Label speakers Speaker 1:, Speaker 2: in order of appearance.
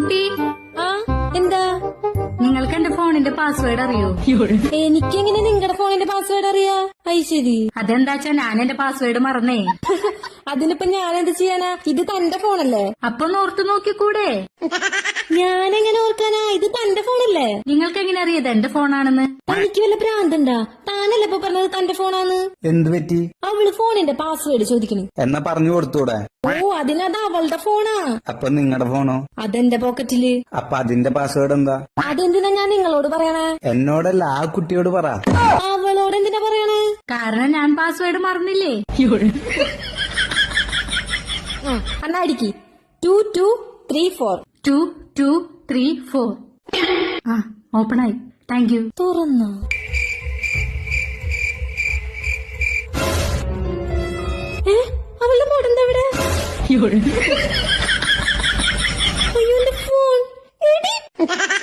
Speaker 1: കുട്ടി
Speaker 2: എന്താ?
Speaker 1: നിങ്ങൾക്ക് എന്റെ ഫോണിന്റെ പാസ്വേഡ് അറിയോ?
Speaker 2: എനിക്കെങ്ങനെ നിങ്ങളുടെ ഫോണിന്റെ പാസ്വേഡ് അറിയാ? ശരി.
Speaker 1: അതെന്താച്ചാ ഞാൻ എന്റെ പാസ്വേഡ് മറന്നേ.
Speaker 2: അതിനിപ്പോ ഞാൻ എന്ത് ചെയ്യാനാ? ഇത് തന്റെ ഫോണല്ലേ?
Speaker 1: അപ്പൊ ഓർത്തു നോക്കിക്കൂടെ?
Speaker 2: ഞാനെങ്ങനെ ഓർക്കാനാ? ഇത് തന്റെ ഫോണല്ലേ?
Speaker 1: നിങ്ങൾക്ക് എങ്ങനെ അറിയത് എന്റെ ഫോണാണെന്ന്?
Speaker 2: എനിക്ക് വല്ല ഭ്രാന്തണ്ടാ? താനല്ലേ ഇപ്പൊ പറഞ്ഞത് തന്റെ ഫോണാന്ന്?
Speaker 3: എന്ത് പറ്റി?
Speaker 2: അവള് ഫോണിന്റെ പാസ്വേഡ് ചോദിക്കണു.
Speaker 3: എന്നാ പറഞ്ഞു കൊടുത്തൂടെ?
Speaker 2: ഓ, അതിനത് അവളുടെ ഫോണാ.
Speaker 3: അപ്പൊ നിങ്ങളുടെ ഫോണോ?
Speaker 2: അതെന്റെ പോക്കറ്റില്.
Speaker 3: അപ്പൊ അതിന്റെ പാസ്വേഡ് എന്താ?
Speaker 2: അതെന്തിനാ ഞാൻ നിങ്ങളോട് പറയണേ?
Speaker 3: എന്നോടല്ല, ആ കുട്ടിയോട് പറ.
Speaker 2: അവളോട് എന്തിനാ പറയണേ?
Speaker 1: കാരണം ഞാൻ പാസ്വേഡ് മറന്നില്ലേ.
Speaker 2: എന്നാ അടിക്ക്. 2234.
Speaker 1: 2234. ഓപ്പൺ ആയി. Thank you.
Speaker 2: തുറന്നോ? അവളുടെ മോഡെന്താ ഇവിടെ? അയ്യോ, എന്റെ ഫോൺ.